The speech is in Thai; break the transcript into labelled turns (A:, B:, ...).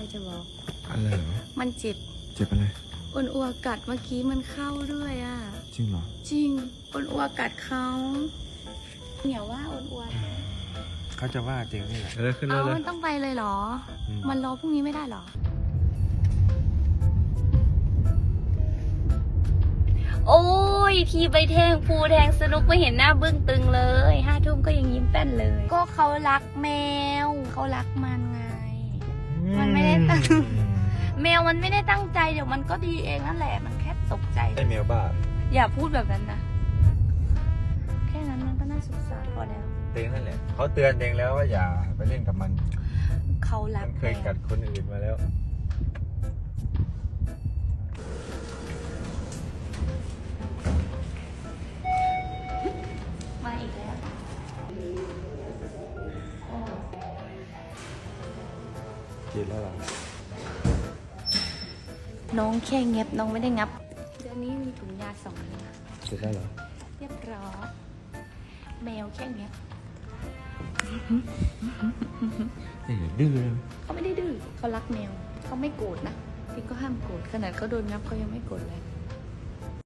A: จะบอก
B: อะไรเหรอ
A: มันเจ็บ
B: อะไร
A: อ้นอัวกัดเมื่อกี้มันเข้าด้วยอ่ะ
B: จริงเหรอ
A: จริงอ้นอัวกัดเขาเหนียวว่าอ้นอัว
B: เขาจะว่าจริงนี่แหละขึ้น
A: มันต้องไปเลยเหรอมันรอพรุ่งนี้ไม่ได้เหรอโอ้ยทีไปแทงภูแทงสนุกไม่เห็นหน้าบึ้งตึงเลย5 ทุ่มก็ยังยิ้มแป้นเลยก็เขารักแมวเขารักมันไงมันไม่ได้ตั้งแมวมันไม่ได้ตั้งใจเดี๋ยวมันก็ดีเองนั่นแหละมันแค่ตกใจ
B: ไอแมวบ้า
A: อย่าพูดแบบนั้นนะแค่นั้นมันก็น่าสงสารพอแล้ว
B: เต็งนั่นแหละเขาเตือนเต็งแล้วว่าอย่าไปเล่นกับมัน
A: เขารัก
B: มันเคยกัดคนอื่นมาแล้ว
A: มาอีกแล้ว
B: กินแล้วหรอ
A: น้องแค่เงียบน้องไม่ได้งับเดี๋ยวนี้มีถุงยา2 อัน
B: กินแล้วหรอ
A: เรียบร้อยแมวแค่เงียบ
B: ดื้อเลย
A: เขาไม่ได้ดื้อเขารักแมวเขาไม่โกรธนะพี่ก็ห้ามโกรธขนาดเขาโดนงับเขายังไม่โกรธเลย